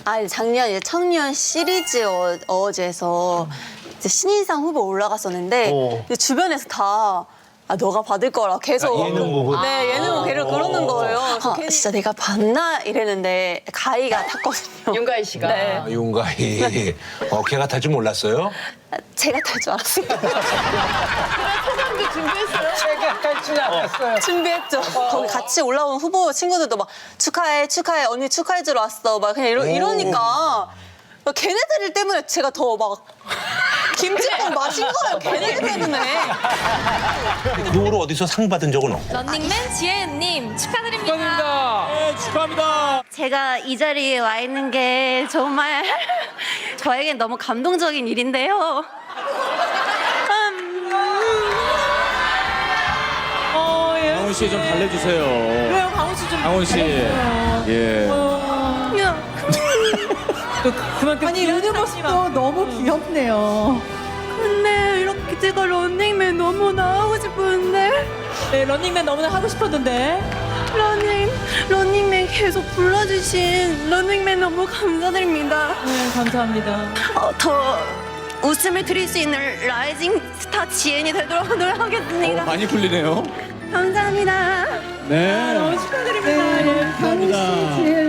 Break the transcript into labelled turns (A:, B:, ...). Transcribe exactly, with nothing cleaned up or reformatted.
A: 아, 작년 이제 청년 시리즈 어, 어워즈에서 이제 신인상 후보 올라갔었는데
B: 어.
A: 이제 주변에서 다 아, 너가 받을 거라 계속.
B: 아, 예능 보고?
A: 네, 예능 보고 걔를 그러는 거예요. 아, 진짜 내가 봤나? 이랬는데 가희가 탔거든요.
C: 윤가희 씨가.
A: 네.
B: 아, 윤가희. 어, 걔가 탈 줄 몰랐어요?
A: 아, 제가 탈 줄 알았어요.
C: 소감도 준비했어요?
B: 걔가 탈 줄 알았어요.
A: 준비했죠. 거기 같이 올라온 후보 친구들도 막 축하해, 축하해, 언니 축하해 주러 왔어. 막 그냥 이러, 이러니까 걔네들 때문에 제가 더 막 김치국 마신 거예요. 걔네들 때문에.
B: 그 후로 어디서 상 받은 적은 없고.
D: 런닝맨 지혜은님 축하드립니다.
E: 축하드립니다. 네, 축하합니다.
A: 제가 이 자리에 와 있는 게 정말 저에겐 너무 감동적인 일인데요. 음.
C: 어, 예.
E: 강훈 씨 좀 달래주세요.
C: 왜요, 강훈 씨 좀.
E: 강훈 씨. 예.
A: 야.
C: 또 그만큼
F: 아니 우는 모습도 너무 귀엽네요.
A: 근데 이렇게 제가 런닝맨 너무 나오고 싶었는데
C: 네, 런닝맨 너무나 하고 싶었는데.
A: 러닝, 런닝맨 계속 불러주신 런닝맨 너무 감사드립니다.
C: 네, 감사합니다.
A: 어, 더 웃음을 드릴 수 있는 라이징 스타 지엔이 되도록 노력하겠습니다.
E: 어, 많이 풀리네요.
A: 감사합니다.
E: 네.
C: 너무 축하드립니다.
F: 네, 강희 씨, 지혜